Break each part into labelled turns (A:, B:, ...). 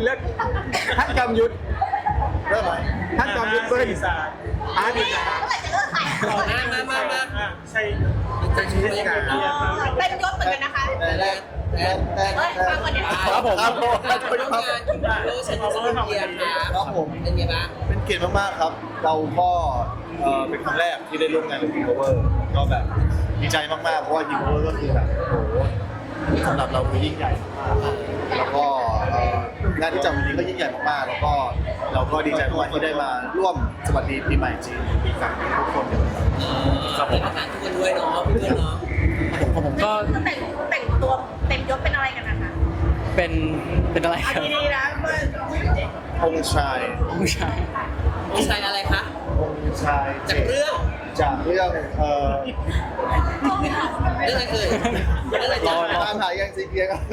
A: เลือกท่านจอมยุทธ
B: เริ่มไหม
A: ท่านจอมยุทธเบิ้ล
C: 4 3
A: อาร์ต
D: เมื่อไหร่จะเลิกขาย
C: ใช่
E: จะชื่อไม่ได้
D: เป็นยศเหมือนกันนะคะ
B: แต่
D: เฮ้ยฟังก่อนเดี๋ยว
B: ครับผมครับผม
E: ร่วมงานคุณโลชันสมุนเทียครับ
B: ครับผม
E: เป็นไงบ้าง
B: เป็นเกียรติมากๆครับ เราก็เป็นครั้งแรกที่ได้ร่วมงานกับ King Power ก็แบบดีใจมากๆเพราะว่า King Power ก็คือแบบโอ้โหสำหรับเราคือยิ่งใหญ่มากแล้วก็งานที่จัดวันนี้ก็ยิ่งใหญ่มากๆแล้วก็เราก็ดีใจมากที่ได้มาร่วมสวัสดีปีใหม่จีนปีกลางทุกคนกันครับผม
E: ประธานทุกคนด้วยเนาะเพื่อนเนาะ
F: ผมก็
D: คือแต่งตัวเต็มยศเป็นอะไรกันนะคะ
F: เป็นอะไร
D: อัน
F: ครับ
D: นี้นะเพื่อน
B: องค์ชาย
F: ผู้ชาย
E: มีชายอะไรคะ
B: องค์ชาย
E: จากเรื่อง
B: จากเรื่อง
E: เรื่องอะไรเอ่ยเรื่องอะไร
F: ร
E: จ๊ะ
F: อ
B: ตามหายังซีเกียร์ครับ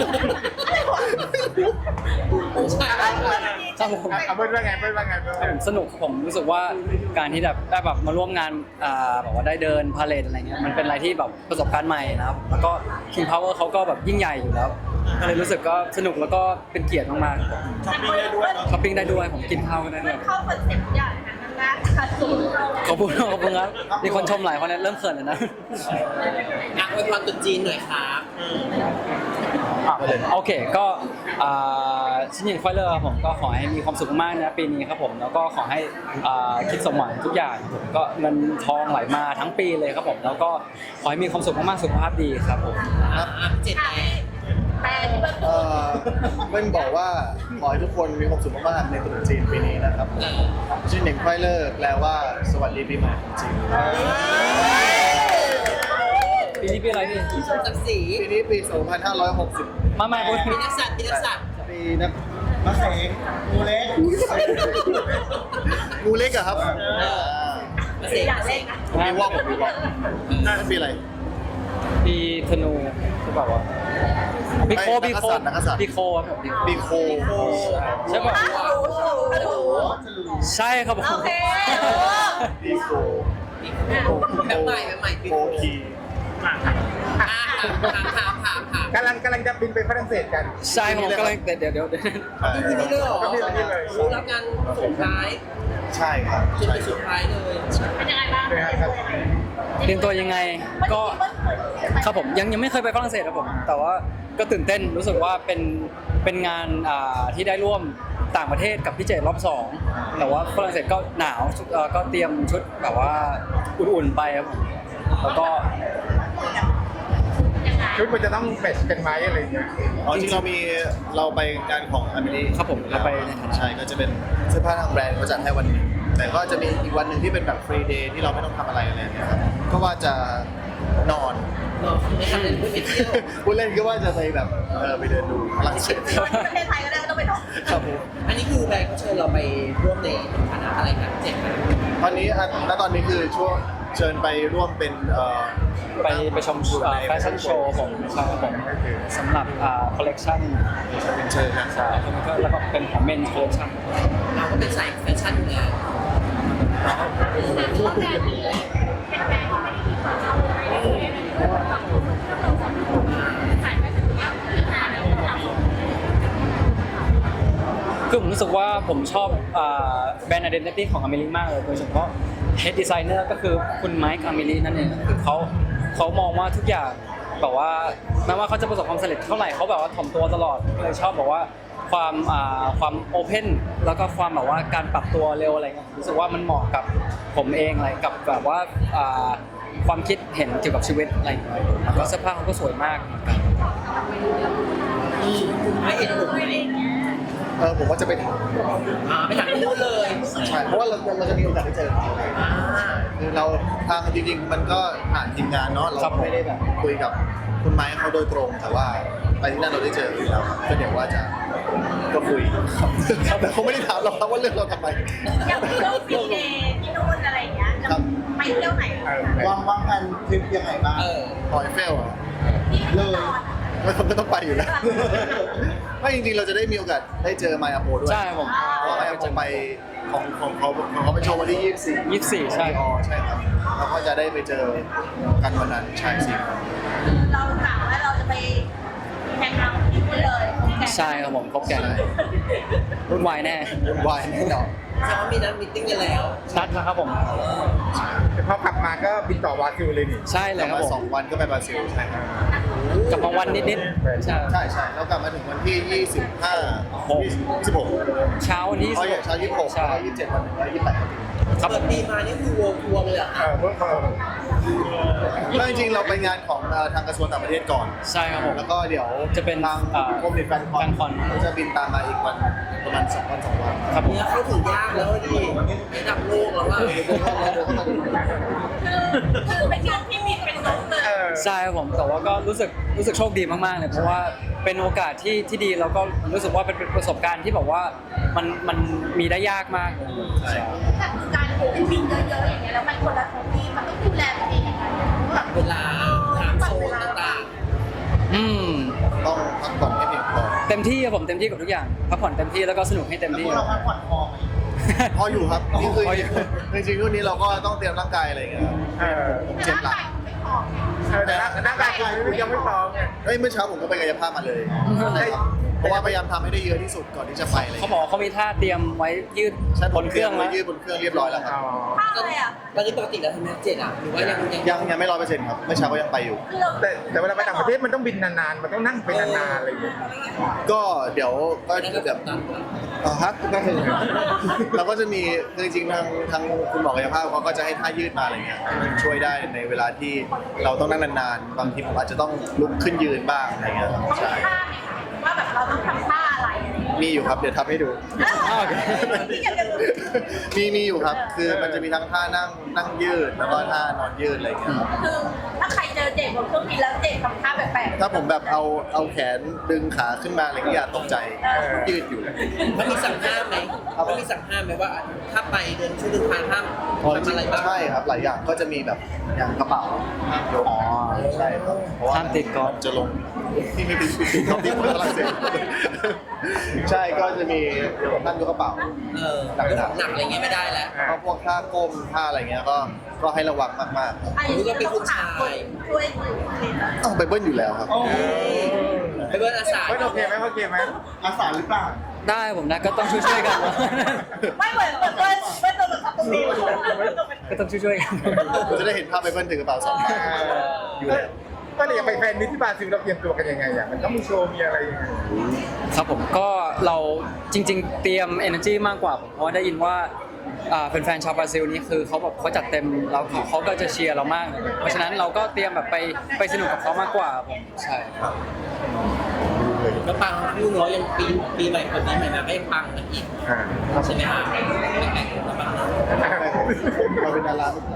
E: ผู้ชายอะไร
F: ครับผม
A: เบิ้ลว่าไงเบิ้ลว่าไงเบิ้ล
F: ผมสนุกผมรู้สึกว่าการที่แบบได้แบบมาร่วมงานแบบว่าได้เดินพาเลทอะไรเงี้ยมันเป็นอะไรที่แบบประสบการณ์ใหม่นะครับแล้วก็ King Power เขาก็แบบยิ่งใหญ่อยู่แล้วก็เลยรู้สึกก็สนุกแล้วก็เป็นเกียรติมาก
C: ช้อปปิ้งได้ด้วยเนาะ
F: ๆช้อปปิ้งได้ด้วยผมกินข้าวก็ได้ด้วย
D: เข้าคอนเซ็ปต์อย่างนั้นนะขาดสูง
F: ขอบคุณครับมีคนชมหลายคนนะเริ่มเขินแล้วนะ
E: อ่ะอวยพรตรุษจีนหน่อยครับ
F: โอเคก็ชิ้นยินไฟเลอร์ผมก็ขอให้มีความสุขมากนะปีนี้ครับผมแล้วก็ขอให้คิดสมหวังทุกอย่างครับผมก็เงินทองไหลมาทั้งปีเลยครับผมแล้วก็ขอให้มีความสุขมากๆสุขภาพดีครับผม
E: เจ็ดแปด
D: แต่ที่เบิ้ล
B: เบิ้ลบอกว่าขอให้ทุกคนมีความสุขมากๆในตรุษจีนปีนี้นะครับชื่อเหน่งไฟเลอร์แปลว่าสวัสดีปีใหม่ของจีน
F: ปีนี้ปีอะไรพี่
E: สักสี
B: ปีนี้ปี 2560
F: มาพูด
E: มีนักสัตว์มีนักสัตว์
B: ปีนะมะเสงงูเล็กงูเล็กอะครับ
E: มาเสก
D: อยาก
E: มาเส
D: เล่น
E: ก
D: นะ
B: ปีวอกปีวอกนั่นปีอะไร
F: ปีธนูใช่ป่าวะปีโค
B: นักกษัตริย์
F: ปีโคครับผม
B: ปีโค
F: ใช่ป่ะ
D: โอ้โห
F: ใช่ครับผม
D: โอเค
B: ปีโค
E: แบบใหม่แบบใหม่ปี
B: โคคี
E: ถาม
A: กำลังจะบินไปฝรั่งเศสกัน
F: ใช่ครับผมกำลังเดี๋ยว
E: ที่นี่เลยเหรอ
A: ก็มีอะไรเลย
E: รู้รับงานส่งท้าย
B: ใช่ครับ
E: จน
B: ใช่
E: ไป
B: ค
E: สุ
B: รับ
E: ดท้ายเลย
D: เป็นยังไงบ้าง
F: เตรียมตัวยังไงก็ครับผมยังไม่เคยไปฝรั่งเศสครับผมแต่ว่าก็ตื่นเต้นรู้สึกว่าเป็นงานที่ได้ร่วมต่างประเทศกับพี่เจรอบสองแต่ว่าฝรั่งเศสก็หนาวก็เตรียมชุดแบบว่าอุ่นๆไปครับผมแล้วก็
A: ชุดมันจะต้องแมทช์กันไหมอะไรอย่างเงี้ย
B: อ๋อจริงเราไปงานของอเมริ
F: ครับผมเราไปในฐานะ
B: ใช่ก็จะเป็นเสื้อผ้าทางแบรนด์เขาจัดให้วันหนึงแต่ก็จะมีอีกวันหนึ่งที่เป็นแบบฟรีเดย์ที่เราไม่ต้องทำอะไรอะไรอย่างเงี้ยครับก็ว่าจะนอน
E: เนาะไม่ทำอะไรไม่ไปเที่ยว
B: ผู้เล่นก็ว่าจะไปแบบไปเดินดูฝรั่งเศส
D: ประเทศไทยก็ได้ไม่ต้องไปท่อง
B: ครับผม
E: อันนี้คือแบรนด์เขาเชิญเราไปร่วมในฐานะอะไรกันเจ็ดไหม
B: ตอนนี้ตอนนี้คือช่วงเชิญไปร่วมเป็น
F: ไปชมแฟชั่นโชว์ผมใช่ครับผมสำหรับคอลเลกชัน
B: เป็นเชิญนะ
F: ใช่แล้วก็เป็นของเมนคอลเลกชัน
E: เราก็เป็นสายแฟชั่นอยู่แล้ว
F: คือผมรู้สึกว่าผมชอบแบรนด์ identity ของอเมริกมากเลยโดยเฉพาะ head designer ก็คือคุณไมค์อเมรินั่นเองคือเขามองว่าทุกอย่างแบบว่าแม้ว่าเขาจะประสบความสำเร็จเท่าไหร่เขาแบบว่าถ่อมตัวตลอดเลยชอบแบบว่าความโอเพนแล้วก็ความแบบว่าการปรับตัวเร็วอะไรเงี้ยรู้สึกว่ามันเหมาะกับผมเองอะไรกับแบบว่าความคิดเห็นเกี่ยวกับชีวิตอะไรอย่างเงี้ยแล้วก็เสื้อผ้าเขาก็สวยมากเหมือนกัน
E: ไม่เห็นผมเลย
B: ผมว่าจะไปถาม
E: ไปถามที่นู่นเลย
B: ใช่เพราะว่าเราจะมีโอกาสได้เจอเขาคือเราทางจริงๆมันก็ผ่านทีมงานเนาะเราไม่ได้แบบคุยกับคุณไม้เขาโดยตรงแต่ว่าไปที่นั่นเราได้เจออยู่แล้วก็เดี๋ยวว่าจะก็คุยครับแต่เขาไม่ได้ถามเราครับว่าเรื่องเราทำไม
D: อย่างที่เราฟรีเดย์ที่นู่นอะไรอย่างเงี้ยจะไปเที่ยวไหน
B: วางแผนทริปยังไงบ้างพอยเฟลอ่ะ
D: เลย
B: ไม่ต้องไปอยู่แล้วไม่จริงๆเราจะได้มีโอกาสได้เจอไมอาโปด้วย
F: ใช่ผม
B: เพราะไมอาโปไปของเขาไปโชว์วันที่24
F: 24ใช่
B: อ๋อใช่ครับเราก็จะได้ไปเจอกันวันนั้นใช่สิ
D: เรากะว่าเราจะไปแข่งขันที่นู่นเลย
F: ใช่ครับผมครบแก๊งรุ่นวายแน่
B: วายแน่นอน
E: แสดงว่ามีนัดมิทติ้งกันแล้ว
F: นัดแล้วครับผม
A: พอกลับมาก็บินต่อวาซิลเลยนี่
F: ใช่เลย
B: กลับ
F: ครับ
B: มา
F: ผม
B: 2 วันก็ไปบราซิลใช่ครับ
F: กลับมาวันนิดๆใช่
B: ใช่แล้วกลับมาถึงวันที่ 26
F: เช้าวันที่
B: เขาอย่างเช้า26
F: ใช่
B: แล้ว27วันหนึ่งแล้ว28
F: ครับ
E: เปิดปีมานี่คือวงทัวร์เลยเหรอคะ
A: เพิ่ง
B: ก็จริงๆเราไปงานของทางกระทรวงต่างประเทศก่อน
F: ใช่ครับผม
B: แล้วก็เดี๋ยว
F: จะเป็น
B: ทางกรมเด็กแฟนคอน
F: แฟนคอน
B: เขาจะบินตามมาอีกวันประมาณ2 วัน 2 วัน
F: ครับผม
E: เนี่ยเข้าถึงยากแล้วดิระดับโลกแล้วว่า
D: คือเป็นงานที่มีเป็นน้องเลย
F: ใช่ครับผมแต่ว่าก็รู้สึกโชคดีมากๆเลยเพราะว่าเป็นโอกาสที่ดีแล้วก็รู้สึกว่าเป็นประสบการณ์ที่แบบว่ามันมีได้ยากมากเลยใช่
D: แต่คือการเป็นบินเยอะๆอย่างเงี้ยแล้วมันคนละท้องที่มันต้องดูแลตัวเองอย่างไรแบบ
E: เวลาถามโซนต่าง
F: อืม
B: ต้องพักผ่อนให้เพียงพอ
F: เต็มที่ครับผมเต็มที่กับทุกอย่างพักผ่อนเต็มที่แล้วก็สนุกให้เต็มที่
B: เราพักผ่อนพออยู่ครับนี่คือ
F: พออยู่
B: จริงๆรุ่นนี้เราก็ต้องเตรียมร่างกายอะไรอย่างเงี้ยครับผมเจ็บหลัง
A: แต่ร่างกายคุณยังไม่พร้อมไง
B: เฮ้ยเมื่อเช้าผมก็ไปกายภาพมาเลย เพราะว่าพยายามทำให้ได้เยอะที่สุดก่อนที่จะไปอะไรอย่าง
F: เขา
B: เงี้ย
F: บอกเขามีท่าเตรียมไว้ยืด
B: ใช่
F: บนเครื่อง
B: ไว้
F: แล้ว
B: ยืดบนเครื่องเรียบร้อยแล้วครับ
D: ข้าวอะไรอ่ะ
E: ๆตอนนี้ปกติแล้วทำไม7อ่ะหรือว่ายัง
B: ยังไม่100%ครับเมื่อเช้าก็ยังไปอยู่
D: คือเรา
A: แต่เวลาไปต่างประเทศมันต้องบินนานๆ มันต้องนั่งไปนานๆอะไรอย่างเงี้ย
B: ก็เดี๋ยวก็
E: นั่นก็
B: แบบ
E: นั้น
B: ฮะก็คือเราก็จะมีคือจริงๆทางคุณหมอกายภาพเขาก็จะให้ท่ายืดมาอะไรเงี้ยมันช่วยได้ในเวลาที่เราต้องนั่งนานๆบางทีผมอาจจะต้องลุกขึ้นยืนบ้างอะไรเงี้ยครับ
D: ต้องมี
B: ใช่
D: ท่าไหมคะว่าแบบเราต้องทำท่าอะไรอะไรอย่างเงี้ย
B: มีอยู่ครับเดี๋ยวทำให้ดู
D: ที่จะเป็น
B: มีอยู่ครับ คือมันจะมีทั้งท่านั่งยืดแล้วก็ท่านอนยืดอะไรเงี้ยครับ
D: คือถ้าใครเจอเจกบนเครื่องบินแล้วเจกทำท่าแปลกๆ
B: ถ้าผมแบบเอาแขนดึงขาขึ้นมาอะไรเงี้ยอย่าตกใจยืดอยู่
E: มันมีสั่งห้ามไหมมันมีสั่งห้ามไหมว่าถ้าไปเดินช่วงเดินทางห้ามทำอะไรบ้าง
B: ใช่ครับหลายอย่างก็จะมีแบบอย่างกระเป๋าห้ามยกใช่ครับเพราะว่า
F: ห้ามติดกอล์ฟ
B: จะลงที่ไม่ติดกอล์ฟที่ฝรั่งเศสใช่ก็จะมีเดี๋ยวผมนั่งยกกระเป๋า
E: เรื่องของหนักอะไรเงี้ยไม่ได้แล้ว
B: ก็พวกท่าก้มท่าอะไรเงี้ยก็ให้ระวังมาก
D: อันนี้ก็เป็นผู้ชายช่วยอยู่
B: ๆต้องไปเบิ้ลอยู่แล้วครับ
E: ไปเบิร์นอาสา
A: ไม่โอเคไหมโอเคไหม
B: อาสาหรือเปล่า
F: ได้ผมนะก็ต้องช่วยๆกันนะ
D: ไม่เหมือนเป็นตัวแบบตรงนี้
F: ก็ต้องช่วยๆกัน
B: จะได้เห็นภาพไปเบิ้ลถือกระเป๋า2 ใบอยู่แล้ว
A: ก็เลยอยากไปแฟนมิตรที่บราซิลเราเตรียมตัวกันยังไงอ่ะมันต้องมีโชว์มีอะไรยังไง
F: ครับผมก็เราจริง ๆ เตรียม energy มากกว่าผมเพราะว่าได้ยินว่าแฟนๆชาวบราซิลนี่คือเขาจัดเต็มเราเขาก็จะเชียร์เรามากเลยเพราะฉะนั้นเราก็เตรียมแบบไปสนุกกับเขามากกว่าผมใช่ครับ
E: ก็ปังคู่น้อยยังปีใหม่คนนี้ใหม่มาก็ยังปังกันอีกใช่ไหมฮะแข่งกันปัง
B: เราเป็นดาราทุกคน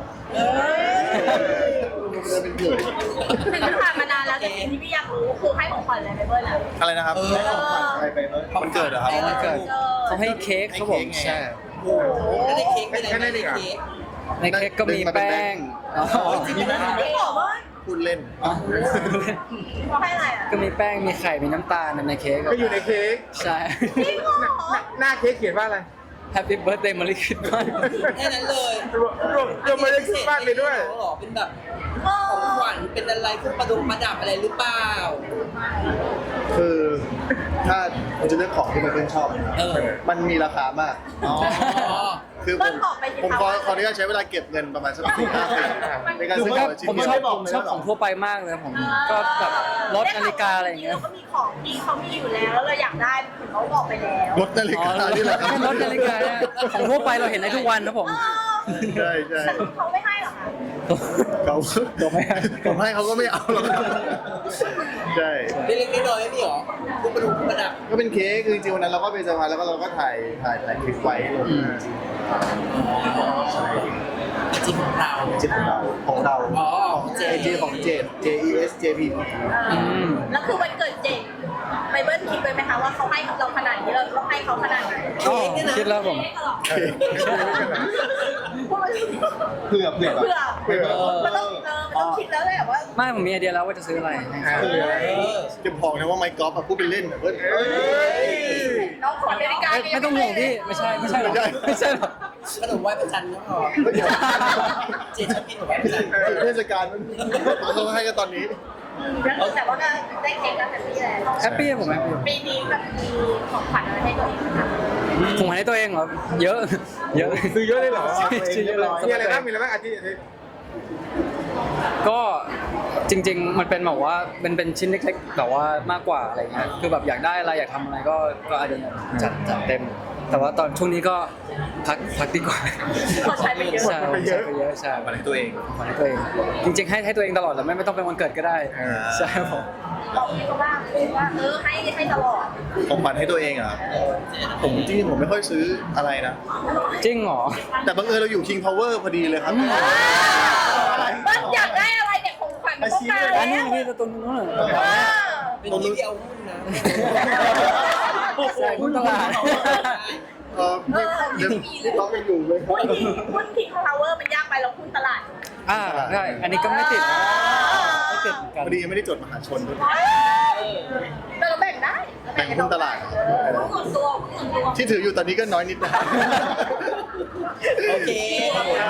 B: เราเป็นเพื่อน
D: ถึงมันผ่านมานานแล้วแต่สิ่งที่พี่อยากรู้คือให้ของขวัญอะไรไปเบิ้ลอ่ะ
B: อะไรนะครับอะไรไปเบิ้ลมันเกิดเหรอครับ
F: วันเกิดเขาให้เค้กครับผมใช่
E: โอ้โหแล้วในเค้กไม่ได้ในเค้ก
F: ในเค้กก็มีแป้งอ๋อ
D: ไม่บอกว่า
B: พูดเล่น
D: เขาให้อะไรอ่ะ
F: ก็มีแป้งมีไข่มีน้ำตาลในเค้ก
A: ก็อยู่ในเค้ก
F: ใช่
D: จริงเหรอ
A: หน้าเค้กเขียนว่าอะไร
F: Happy Birthday Merry Christmas
E: แค่นั้นเลย
A: รวมมาได้คิดมากเลยด้วย
E: หรอเป็นแบบของขวัญเป็นอะไรพวกประดับอะไรหรือเปล่า
B: คือถ้าผมจะเลือกของที่มันเป็นชอบ มันมีราคามาก
E: อ๋อ
B: คือผมขออนุญาตใช้เวลาเก็บเงินประมาณสัก4-5 ปีในการซื้อของชิ้น
F: ผม
B: เดียว
F: ชอบของทั่วไปมากเลยผมก็แบบรถนาฬิกาอะไรอย่างเงี้ย
D: เราก็มีของที่เขามีอยู่แล้วแล้วเราอยากได้ถึงเขาบอกไปแล้ว
B: รถนาฬิกานี่แหละครับ
F: รถนาฬิกาเนี่ยของทั่วไปเราเห็นได้ทุกวันนะผม
B: ใช่ใช่
D: แต่เขาไม่ให้หรอคะ
B: เขาไม่ให้ผมให้เขาก็ไม่เอาหรอกใช่
E: เล็กๆน้อยๆไม่มีหรอพวกประดับ
B: ก็เป็นเค้กคือจริงๆวันนั้นเราก็ไปเซอร์ไพรส์แล้วก็เราก็ถ่ายคลิปไว้ลงใช่
E: จริงของเรา
B: จิตของเรา
E: อ๋อ
B: เจของเจด JES JP
D: แล้วคือวันเกิดเจกไปเบิ้ลคิดไปไหมคะว่าเขาให้เราขนาดนี้เราต้องให้เขาขนาดไหน
F: อ๋อคิดแล้วผม
B: เผื่อ
D: มันต้องคิดแล้วแหละว่า
F: ไม่ผมมีไอเดียแล้วว่าจะซื้ออะไร
B: จะบอกนะว่าไมค์กอล์ฟพูดเป็นเล่นเว้ย
D: น้องขอนาฬิกา
F: ไม่ต้องห่วงพี่ไม่ใช่หรอไม่ใช่หรอ
E: ขนมไหว้พระจันทร์ก็พอเจชอบกินขนมไหว้พระจันทร์
B: เทศกาลเขาให้กันตอนนี้
D: แล้วแต่ว่าก็ได้เค้กแล้วแฮปปี้แล้ว
F: แฮปปี้ผมแฮปปี้
D: ปีนี้แบบมีของขวัญอะไรให้ตัวเองไหมคะ
F: ผมให้ตัวเองเหรอเยอะ เยอะ
A: ซื้อเยอะเลยเหรอ
F: ซื้อเยอะเลย
A: มีอะไรบ้างมีอะไรบ้างอาทิตย์
F: ก็จริง ๆ มันเป็นแบบว่าเป็นชิ้นเล็กๆแต่ว่ามากกว่าอะไรเงี้ยคือแบบอยากได้อะไรอยากทำอะไรก็อาจจะจัดเต็ม แต่ว่าตอนช่วงนี้ก็พักดีกว่า
D: เขาใช้ไปเยอะ
F: ใช่ใช้ไปเยอะใช่
B: มาในตัวเอง
F: ของให้ตัวเอง จริง ๆ ให้ตัวเองตลอดแหละไม่ต้องเป็นวันเกิดก็ได้ใช่ครับผม
D: บอกพี่เขาบ้างว่าให้ตลอด
B: ของขวัญให้ตัวเองอะครับผมจริงๆผมไม่ค่อยซื้ออะไรนะ
F: จริงเหรอ
B: แต่บังเอิญเราอยู่ King Power พอดีเลยครับ
D: มันอยากได้อะไรเนี่ยของขวัญมันต้องการ
F: อันนี้
D: แล้ว
F: นี่ตัวนู้นเหรอ
E: เป็นที่เดียวหุ้นนะ
F: ใช่หุ้นตลาด
B: พี่ต้องยังอยู่เลย
D: หุ้นคิงพาวเวอร์มันยากไปเราหุ้นตลาด
F: ใช่อันนี้ก็ไม่ติดนะไม่ติดเหมือนกัน
B: พอดียังไม่ได้จดมหาชนด้วย
D: แต่เราแบ่งได้
B: แบ่งหุ้นตลาด
D: หุ้นส่วนตัวหุ้นส่วนตัว
B: ที่ถืออยู่ตอนนี้ก็น้อยนิดนะ
E: โอเค
A: โอเค